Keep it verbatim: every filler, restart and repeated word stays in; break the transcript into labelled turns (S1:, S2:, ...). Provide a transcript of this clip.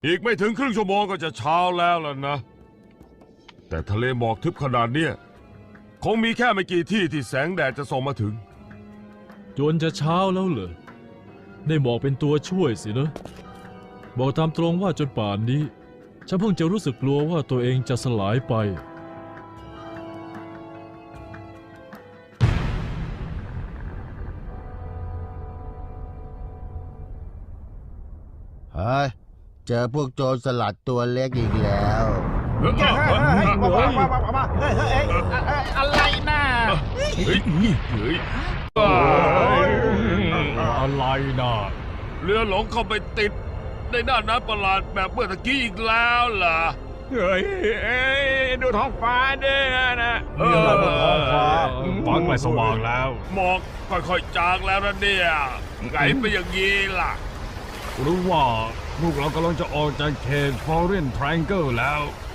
S1: อีกไม่ถึงครึ่งชั่วโมงก็จะเช้าแล้วล่ะนะแต่ทะเลหมอกทึบขนาดเนี้ยคงมีแค่ไม่กี่ที่ที่แสงแดดจะส่องมาถึง
S2: จนจะเช้าแล้วเหรอได้หมอกเป็นตัวช่วยสินะบอกตามตรงว่าจนป่านนี้ฉันเพิ่งจะรู้สึกกลัวว่าตัวเองจะสลายไป
S3: เฮ้ยเจอพวกโจรสลัดตัวเล็กอีกแล้ว
S4: เฮ้ยเฮ้ยเฮ้ยมามามามามาเฮ้ยเฮ้ยอะไรน่ะ
S1: เฮ้ยเฮ้ย
S2: อะไรนะ
S1: เรือหลงเข้าไปติดในหน้าน้ำประหลาดแบบเมื่อตะกี้อีกแล้วล่ะ
S4: เฮ้ยดูท้องฟ้าเนี่ยนะ
S1: มีอะไรบนท้องฟ้า
S2: ฟ้าใกล้สว่างแล้ว
S1: หมอกค่อยๆจางแล้วนะเนี่ยไงไปอย่างนี้ล่ะ
S5: หรือว่าพวกเรากำลังจะออกจากเขต Foreign Triangle แล้ว